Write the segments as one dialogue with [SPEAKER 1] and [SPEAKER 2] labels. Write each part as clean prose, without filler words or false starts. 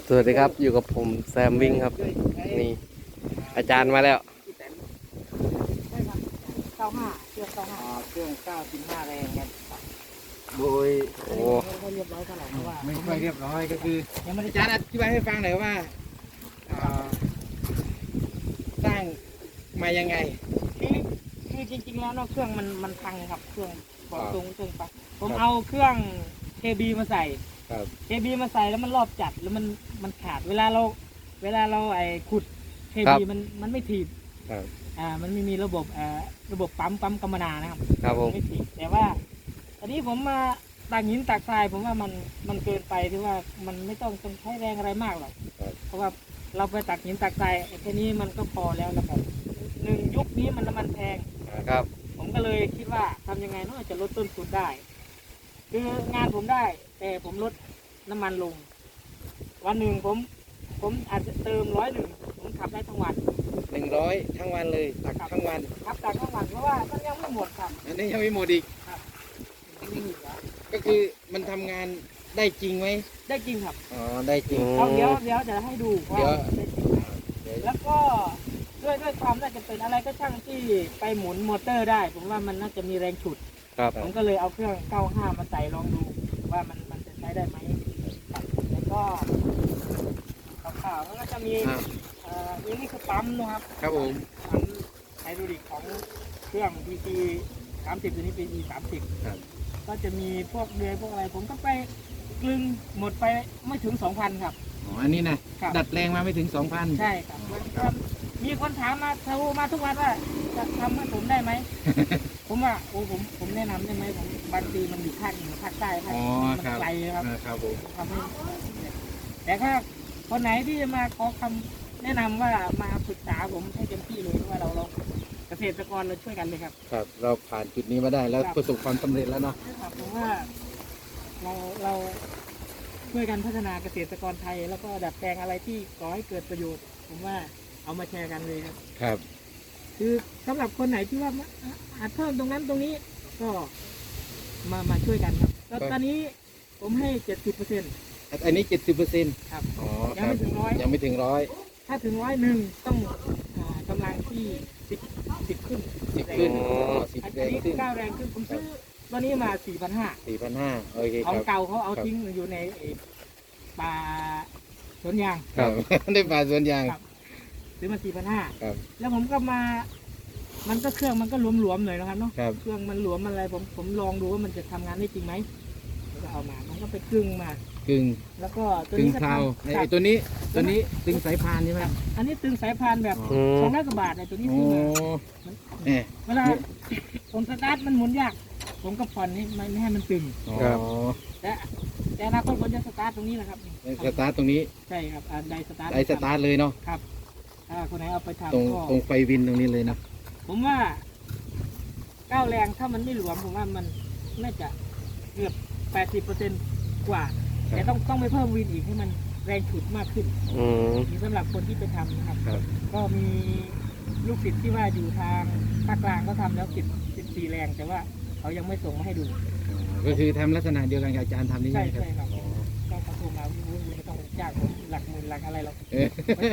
[SPEAKER 1] สวัสดีครับอยู่กับผมแซมวิ่งครับนี่อาจารย์มาแล้ว
[SPEAKER 2] 95เครื่อง95เครื่อง95แรงครับโดย
[SPEAKER 1] โอ้
[SPEAKER 2] ไม่ค่อยเรียบร้อยเท่าไหร่เพราะว่า
[SPEAKER 3] ไม่ค่อยเรียบร้อยก็คือ
[SPEAKER 2] ยังไม่ได้
[SPEAKER 3] อาจารย์อธิบายให้ฟังหน่อยว่าอ่าสร้างมายังไง
[SPEAKER 2] คือจริงๆแล้วเนาะเครื่องมันพังครับเครื่องบอกตรงเครื่องปังผม
[SPEAKER 3] ครับ
[SPEAKER 2] เอาเครื่อง KB มาใส่
[SPEAKER 3] ครับ
[SPEAKER 2] KB มาใส่แล้วมันรอบจัดแล้วมันขาดเวลาเราไอ้ขุด KB มันไม่ถีบ
[SPEAKER 3] ครับ
[SPEAKER 2] มันไม่มีระบบปั๊มกำมะนานะครับ
[SPEAKER 1] ครับผม
[SPEAKER 2] ไม่ถีบแต่ว่าตอนนี้ผมมาตักหินตักทรายผมว่ามันเกินไปที่ว่ามันไม่ต้องใช้แรงอะไรมากหรอก
[SPEAKER 3] ครับ
[SPEAKER 2] เพราะว่าเราไปตักหินตักทรายแค่นี้มันก็พอแล้วนะครับหนึ่งยุคนี้มันน้ำมันแพง
[SPEAKER 1] ครับ
[SPEAKER 2] ผมก็เลยคิดว่าทำยังไงเนาะจะลดต้นทุนได้ คืองานผมได้ แต่ผมลดน้ำมันลง วันหนึ่งผมอาจจะเติม101ผมขับได้ทั้งวัน
[SPEAKER 3] 100ทั้งวันเลยตักทั้งวัน
[SPEAKER 2] ขับตักทั้งวันเพราะว่ามันยังไม่หมดครับ
[SPEAKER 3] อันนี้ยังไม่หมดอีก
[SPEAKER 2] ยังไม่มีเหลือ
[SPEAKER 3] ก็คือมันทำงานได้จริงไหม
[SPEAKER 2] ได้จริงครับ
[SPEAKER 3] อ๋อได้จริง
[SPEAKER 2] เอาเดี๋ยวจะให้ดูว่า
[SPEAKER 3] เดี๋ยว
[SPEAKER 2] ได้จริงไหม
[SPEAKER 3] เดี๋ยว
[SPEAKER 2] แล้วก็ด้วยความน่าจะเป็นอะไรก็ช่างที่ไปหมุนมอเตอร์ได้ ผมว่ามันน่าจะมีแรงฉุด
[SPEAKER 1] ครับ
[SPEAKER 2] ผมก็เลยเอาเครื่อง 95 มาใส่ลองดูว่ามันจะใช้ได้ไหมครับแล้วก็ข่าวๆแล้วก็จะมี นี่คือปั๊มนะครับ
[SPEAKER 3] ครับผม
[SPEAKER 2] ปั๊มไฮดรอลิกของเครื่อง PC 30ตัวนี้ PC 30
[SPEAKER 3] ครับ
[SPEAKER 2] ก็จะมีพวกเดือยพวกอะไร ผมก็ไปกลึงหมดไปไม่ถึง 2,000 ครับ
[SPEAKER 3] อ๋ออันนี้นะครับ ดัดแปลงมาไม่ถึง 2,000
[SPEAKER 2] ใช่ครับมีคนถามมาโทรมาทุกวันว่าจะทำให้ผมได้ไหม ผมว่าโอ้ผมแนะนำได้ไหมผมบางทีมันอยู่ภาคเหนือภาคใต้ภาค
[SPEAKER 3] อ๋อ
[SPEAKER 2] มัน
[SPEAKER 3] ครับ
[SPEAKER 2] ไกลครับ
[SPEAKER 3] ครับผม
[SPEAKER 2] ทำให้แต่ถ้าคนไหนที่จะมาขอคำแนะนำว่ามาปรึกษาผมให้เต็มที่เลยเพราะว่าเราเกษตรกรเราช่วยกันเลยครับ
[SPEAKER 3] ครับเราผ่านจุดนี้มาได้แล้ว
[SPEAKER 2] ครับ
[SPEAKER 3] ประสบความสำเร็จแล้วเนาะ
[SPEAKER 2] ครับผมว่าเราช่วยกันพัฒนาเกษตรกรไทย แล้วก็ดัดแปลงอะไรที่ก่อให้เกิดประโยชน์ ผมว่าเอามาแชร์กันเลยครับ
[SPEAKER 3] ครับ
[SPEAKER 2] คือสำหรับคนไหนที่ว่าอาจเพิ่มตรงนั้นตรงนี้ก็มาช่วยกันครับแล้วตอนนี้ผมให้ 70%
[SPEAKER 3] อันนี้ 70%
[SPEAKER 2] ครับ
[SPEAKER 3] อ๋อ
[SPEAKER 2] ยังไม่ถึงร้อย
[SPEAKER 3] ยังไม่ถึงร้อย
[SPEAKER 2] ถ้าถึง101ต้องกำลังที่10ขึ้น
[SPEAKER 3] 10ขึ้น
[SPEAKER 1] อ๋อ
[SPEAKER 3] 10
[SPEAKER 2] อัน
[SPEAKER 3] แรง
[SPEAKER 2] นี้
[SPEAKER 3] ขึ้น
[SPEAKER 2] 9แรงขึ้นผมซื้อตอนนี้มา 4,500
[SPEAKER 3] 4,500โอเค
[SPEAKER 2] ของ
[SPEAKER 3] ครับ
[SPEAKER 2] เก่าเขาเอา
[SPEAKER 3] ครับ
[SPEAKER 2] ทิ้งอยู่ในป่าสวนยาง
[SPEAKER 3] ครับ ได้ป่าสวนยาง
[SPEAKER 2] ครับ ซื้อมา 4,500
[SPEAKER 3] ครับ
[SPEAKER 2] แล้วผมก็มามันก็เครื่องมันก็หลวมๆหน่อยนะครับเนาะ
[SPEAKER 3] ครับ
[SPEAKER 2] เครื่องมันหลวมอะไรผมลองดูว่ามันจะทำงานได้จริงไหมแล้วก็เอามาผมก็ไปกลึงมา
[SPEAKER 3] กึ่ง
[SPEAKER 2] แล้วก็ตัว
[SPEAKER 3] กึ่ง
[SPEAKER 2] นี้ก็
[SPEAKER 3] เพลา
[SPEAKER 2] ทำ
[SPEAKER 3] ไอ้ตัวนี้ตึงสายพานใช่ไหม
[SPEAKER 2] อันนี้ตึงสายพานแบบ
[SPEAKER 1] อืม
[SPEAKER 2] 200 กว่าบาทในตัวนี้
[SPEAKER 3] โอ้
[SPEAKER 2] ซื้อมา
[SPEAKER 3] เนี่ย
[SPEAKER 2] เวลาผมสตาร์ทมันหมุนยาก ผมก็ผ่อนให้ไม่ให้มันตึง
[SPEAKER 3] อ๋อ
[SPEAKER 1] ครับ
[SPEAKER 2] แต่อนาคตผมจะสตาร์ทตรงนี้แหละครับ
[SPEAKER 3] สตาร์ทตรงนี้
[SPEAKER 2] ใช่ครับไดสตาร์ท
[SPEAKER 3] ไอสตาร์ทเลยเนาะ
[SPEAKER 2] ครับถ้าคนไหนเอาไป
[SPEAKER 3] ตรง
[SPEAKER 2] ทำก็
[SPEAKER 3] ตรงไฟวินตรงนี้เลยนะ
[SPEAKER 2] ผมว่าก้าวแรงถ้ามันไม่หลวมผมว่ามันน่าจะเกือบ 80%กว่า แต่ต้องไปเพิ่มวินอีกให้มันแรงฉุดมากขึ้น
[SPEAKER 1] อืม
[SPEAKER 2] นี่สำหรับคนที่ไปทำนะครับ
[SPEAKER 3] ครับ
[SPEAKER 2] ก็มีลูกศิษย์ที่ว่าอยู่ทางภาคกลางก็ทำแล้ว14 แรง แต่ว่าเขายังไม่ส่งมาให้ดู
[SPEAKER 3] ก็คือทำลักษณะเดียวกันกับอาจารย์ทำนี่
[SPEAKER 2] ใช่
[SPEAKER 3] ใช่ไหมครับ
[SPEAKER 2] ใช่ครับ
[SPEAKER 3] อ๋อ
[SPEAKER 2] ก็เขาโทรมาไม่ต้องจ้างผมหลักหมื่นหลักอะไรหรอก
[SPEAKER 3] เออก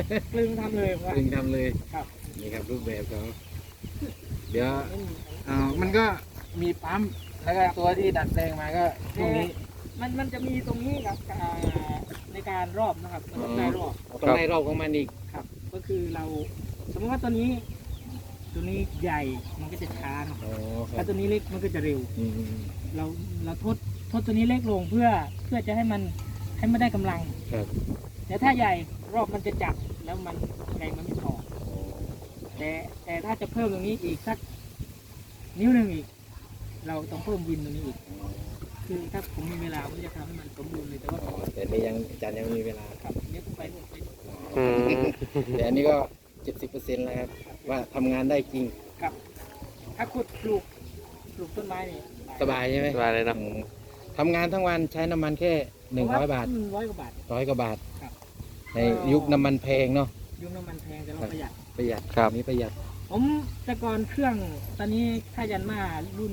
[SPEAKER 2] ลึงทำเลยว่า
[SPEAKER 3] ถึงทำเลย
[SPEAKER 2] ครับ
[SPEAKER 3] นี่ครับรูปแบบเขาเดี๋ยว
[SPEAKER 2] ไม่มี
[SPEAKER 3] มันก็มีปั๊มแล้วก็ตัวที่ดัดแปลงมาก็พวกนี้
[SPEAKER 2] มันจะมีตรงนี้ครับในการรอบนะครับมันต้องได้รอบ
[SPEAKER 3] ต้องได้รอบของมันอีก
[SPEAKER 2] ครับ ก็คือเราสมมติว่าตัวนี้ใหญ่มันก็จะช้าเนอะ
[SPEAKER 3] อ๋อครั
[SPEAKER 2] ถ้า
[SPEAKER 3] บ
[SPEAKER 2] ตัวนี้เล็กมันก็จะเร็ว
[SPEAKER 3] อืม
[SPEAKER 2] เราทดตัวนี้เล็กลงเพื่อจะให้มันได้กำลัง
[SPEAKER 3] ครับ
[SPEAKER 2] แต่ถ้าใหญ่รอบมันจะจับแล้วมันแรงมันไม่พอแต่ถ้าจะเพิ่มตรงนี้อีกสักนิ้วหนึ่งอีก เราต้องเพิ่มวินตรงนี้อีก คือถ้าผมมีเวลาผมจะทำให้มันสมบูรณ์เลยแต่ว่า
[SPEAKER 3] อ๋อแต่นี่ยังอาจารย์ยังไม่มีเวลา
[SPEAKER 2] ครับเดี๋ยวผมไปนู่นไปนี่
[SPEAKER 1] อืม
[SPEAKER 3] แต่อันนี้ก็ 70%แล้วครับว่าทำงานได้จริง
[SPEAKER 2] ครับ ถ้าขุดปลูกต้นไม้นี่
[SPEAKER 3] สบายใช่ไหม
[SPEAKER 1] สบายเลยเนาะ
[SPEAKER 3] อืมทำงานทั้งวันใช้น้ำมันแค่100 บาท
[SPEAKER 2] 100 กว่าบาท
[SPEAKER 3] 100 กว่าบาท
[SPEAKER 2] ครับ
[SPEAKER 3] ในยุคน้ำมันแพงเนาะ
[SPEAKER 2] ยุ่งน้ำมันแพงแต่เรา
[SPEAKER 3] ครับ
[SPEAKER 2] ประหยัด
[SPEAKER 3] ประหยัด
[SPEAKER 1] ครับ
[SPEAKER 3] อันนี้ประหยัด
[SPEAKER 2] ผมแต่ก่อนเครื่องตอนนี้ถ้ายันมารุ่น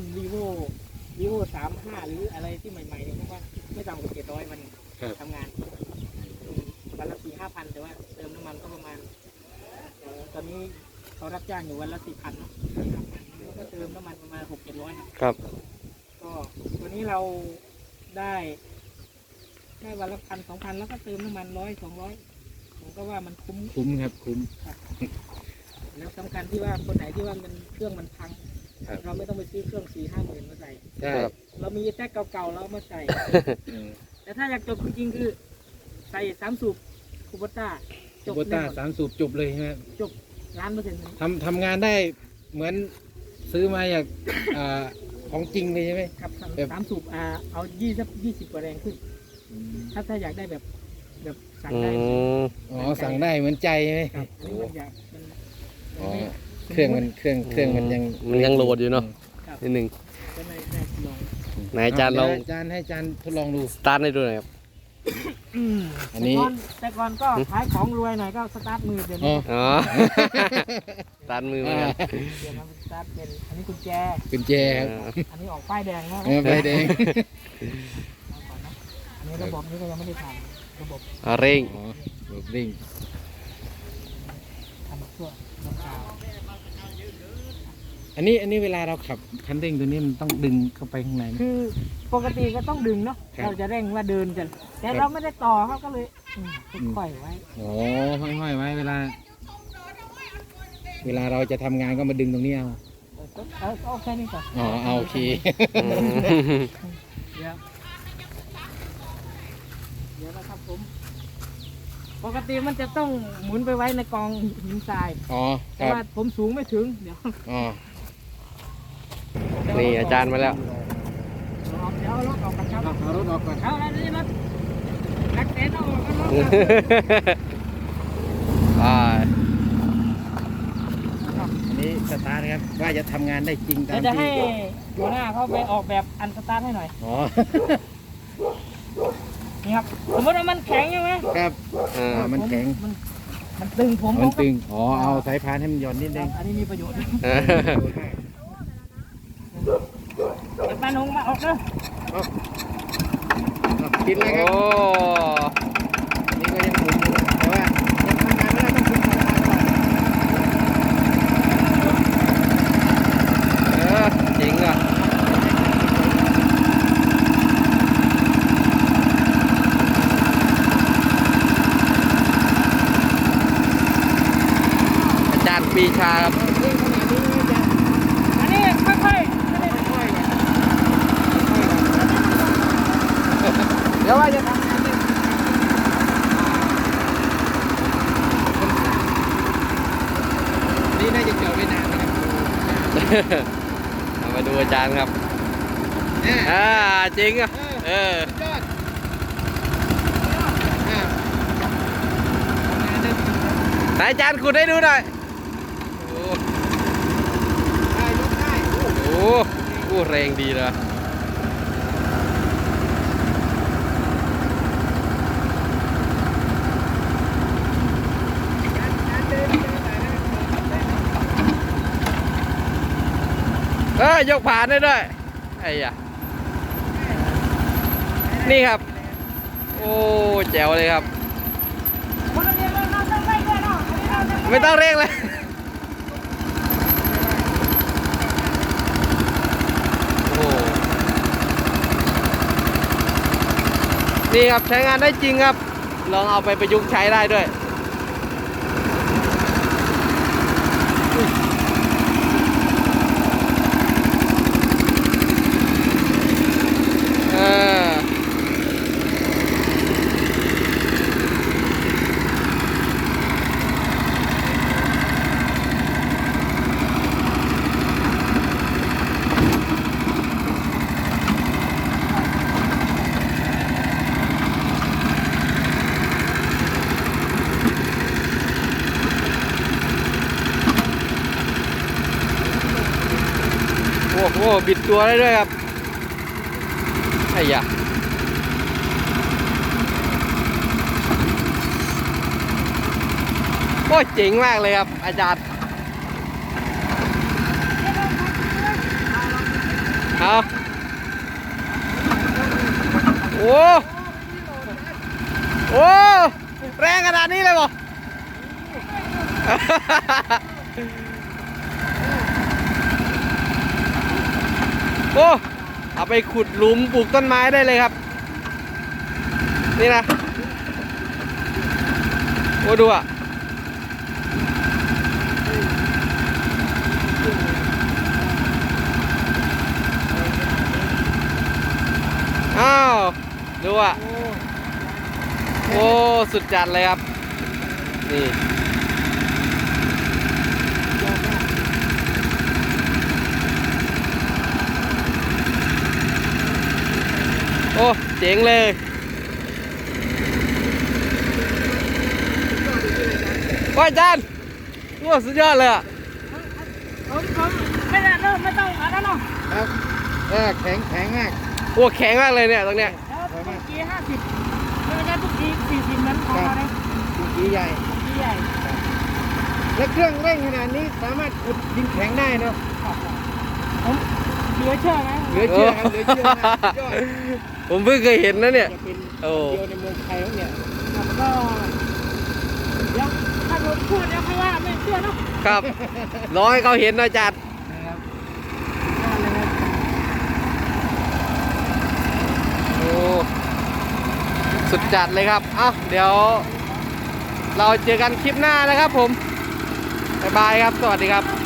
[SPEAKER 2] vivo 35 หรืออะไรที่ใหม่ๆเนี่ยผมว่าไม่ต่ำกว่า700วัน
[SPEAKER 3] ครับ
[SPEAKER 2] ทำงานวันละตอนนี้เขารับจ้างอยู่วันละ4,000แล้วก็เติมน้ำมันประมาณ600-700ครับ ก็วันนี้เราได้วันละ1,000-2,000แล้วก็เติมน้ำมัน100-200ผมก็ว่ามันคุ้ม
[SPEAKER 3] คุ้มครับคุ้ม
[SPEAKER 2] แล้วสำคัญที่ว่าคนไหนที่ว่ามันเครื่องมันพัง
[SPEAKER 1] ครับ
[SPEAKER 2] เราไม่ต้องไปซื้อเครื่อง4-5 หมื่นมาใส่
[SPEAKER 3] ใช่
[SPEAKER 2] เรามีแท็กเก่าๆเราเอามาใส่ แต่ถ้าอยากจบจริงๆคือใส่3 สูบคูโบต้าจบ
[SPEAKER 3] โบต้า3 สูบจบเลยใช่ไหม
[SPEAKER 2] จบ1,000,000%เลย
[SPEAKER 3] ทำงานได้เหมือนซื้อมาอย่างของจริงเลยใช่ไหม
[SPEAKER 2] ครับ
[SPEAKER 3] แบบ
[SPEAKER 2] 3 สูบเอา20 กว่าแรงขึ้น ถ้าอยากได้แบบสั่ง
[SPEAKER 1] อื
[SPEAKER 2] ได้
[SPEAKER 1] ม
[SPEAKER 3] อ๋อสั่งได้เหมือนใจใช่ไหม
[SPEAKER 2] ครับอันนี้มันอยากมัน
[SPEAKER 3] อ๋อ
[SPEAKER 2] ไม่
[SPEAKER 3] เครื่องมันยัง
[SPEAKER 1] มันยังโหลดอยู่เนาะ
[SPEAKER 2] ครับ
[SPEAKER 1] นิดหนึ่ง
[SPEAKER 2] ก็เลยได้ลอง
[SPEAKER 1] ไหนอาจารย์ลอง
[SPEAKER 3] จานให้จานทดลองดู
[SPEAKER 1] สตาร์ทให้ดูหน่อยครับ
[SPEAKER 3] อันนี้
[SPEAKER 2] แต่ก่อนก็ขายของรวยหน่อยก็สตาร์ทมือเดี๋ยว
[SPEAKER 3] อ๋
[SPEAKER 2] นี้
[SPEAKER 3] อ
[SPEAKER 1] อ๋อ สตาร์ทมือเหมือนกัน
[SPEAKER 2] เดี๋ยวมันสตาร์ทเป็นอันนี้กุญแจ
[SPEAKER 3] กุญแจครับ
[SPEAKER 2] อันนี้ออกป้ายแดงแล้ว
[SPEAKER 3] ใบแดง
[SPEAKER 2] อันนี้ระบบนี้ก็ยังไม่ได้ทำระบบ
[SPEAKER 1] เร่ง
[SPEAKER 3] อ๋อรถวิ่ง
[SPEAKER 2] ทำชั่วน้ำขาว
[SPEAKER 3] อันนี้เวลาเราขับคันเร่งตัวนี้มันต้องดึงเข้าไปข้างในไหม
[SPEAKER 2] คือปกติก็ต้องดึงเนาะ
[SPEAKER 3] ครับ
[SPEAKER 2] เราจะเร่งว่าเดินกันแต่
[SPEAKER 3] ครับ
[SPEAKER 2] เราไม่ได้ต่อเขาก็เลยค่อยๆไว้
[SPEAKER 3] อ๋อห้อยๆไว้เวลาเราจะทำงานก็มาดึงตรงนี้เอา
[SPEAKER 2] เอาแค่นี้ก่อน
[SPEAKER 3] อ๋อเอาโอเค
[SPEAKER 1] อืม
[SPEAKER 2] เดี๋ยวนะครับผม ปกติมันจะต้องหมุนไปไว้ในกองหินทราย
[SPEAKER 3] อ๋อค
[SPEAKER 2] แต่
[SPEAKER 3] รับ
[SPEAKER 2] ว่าผมสูงไม่ถึงเดี๋ยว
[SPEAKER 3] อ๋อ
[SPEAKER 1] นี่อาจารย์มาแล้ว
[SPEAKER 2] เดี๋ยวเอารถออกกันครับ
[SPEAKER 3] เอารถออกก่อน
[SPEAKER 2] เอาแล้วนี่รถนักเต้นเอาออกกันรถ
[SPEAKER 3] อันนี้สตาร์ทนะครับว่าจะทำงานได้จริงตาม
[SPEAKER 2] เดี๋ยวจะให้
[SPEAKER 3] ที่
[SPEAKER 2] หัวหน้าเขาไปออกแบบอันสตาร์ทให้หน่อย
[SPEAKER 3] อ๋อ
[SPEAKER 2] นี่ครับสมมติว่ามันแข็งใช่ไหม
[SPEAKER 3] ครับ มันแข็ง
[SPEAKER 2] มันตึงผม
[SPEAKER 3] มัน
[SPEAKER 2] ก็
[SPEAKER 3] ตึงอ๋อเอาสายพานให้มันหย่อนนิดนึง
[SPEAKER 2] อันนี้มีประโยชน์เดี๋ยวป้าหนงมาออกเด้อ
[SPEAKER 3] กินเลยครับ
[SPEAKER 1] โอ้
[SPEAKER 3] นี่ก็ยังหมุนอยู่แต่ว่ายังทำงานไม่ได้ต้องคุมสายพานก่อน
[SPEAKER 1] เจ๋งอ่ะอาจารย์ปรีชาครับ
[SPEAKER 2] อันนี้ค่อย
[SPEAKER 3] เดี๋ยวว่าจะทำงานได้นี่น่าจะจอดไว้นานนะครับ
[SPEAKER 1] เอามาดูอาจารย์ครับ
[SPEAKER 3] เนี่ย
[SPEAKER 1] จริงอ่ะ เออ
[SPEAKER 3] สุดยอดทำงานได้จริงครับ
[SPEAKER 1] ไหนอาจารย์ขุดให้ดูหน่อย โอ้
[SPEAKER 3] ได้ยกได้
[SPEAKER 1] โหแรงดีเลย ยกผ่านได้ด้วย ไอ้ยะนี่ครับ โอ้แจ๋วเลยครับ
[SPEAKER 2] ๆคนละเดียวเราต้องไปด้วยเนาะอันนี้เราจะ
[SPEAKER 1] ไม่ต้องเร่งเลย โอ้โหนี่ครับใช้งานได้จริงครับ ลองเอาไปประยุกต์ใช้ได้ด้วย เออ โอ้โห บิดตัวได้ด้วยครับ ไอ้ยะโอ้ยเจ๋งมากเลยครับ อาจารย์ เอาโอ้โอ้แรงขนาดนี้เลยบ่โอ้เอาไปขุดหลุมปลูกต้นไม้ได้เลยครับนี่นะโอ้ดูอ่ะอ้าวดูอ่ะโอ้สุดจัดเลยครับนี่โอ้เจ๋งเลยว่าอาจารย์ว้าสุดยอดเลยอ่ะ
[SPEAKER 2] ผมไม่ได้เริ่มไม่ต้องอะไรหรอก
[SPEAKER 3] ครับแข็งมาก
[SPEAKER 1] โอ้แข็งมากเลยเนี่ยตรงเนี้ย
[SPEAKER 2] แล้วเมื่อกี้50ไม่ได้เมื่อกี้40นั้นพอนะ
[SPEAKER 3] ดินขี้ใหญ่
[SPEAKER 2] เมื่อกี้ใหญ่
[SPEAKER 3] และเครื่องเร่งขนาดนี้สามารถขุดดินแข็งได้เนาะ
[SPEAKER 2] ผมเหลือเชื่อไหม
[SPEAKER 3] เหลือเชื่อครับเหลือเชื่อนะสุดยอด
[SPEAKER 1] ผมเพิ่งเคยเห็นนะเนี่ย
[SPEAKER 3] จะเป็น
[SPEAKER 1] โอ้
[SPEAKER 3] เดียวในเมืองไทยแล้วเนี่ย
[SPEAKER 2] ครับก็เดี๋ยวถ้าผมพูดแล้วใครว่าไม่เชื่อเนาะ
[SPEAKER 1] ครับรอให้เขาเห็นหนะอาจารย์
[SPEAKER 2] นะครับได้เลยครับ
[SPEAKER 1] โอ้สุดจัดเลยครับอ่ะเดี๋ยว เราเจอกันคลิปหน้านะครับผมบ๊ายบายครับสวัสดีครับ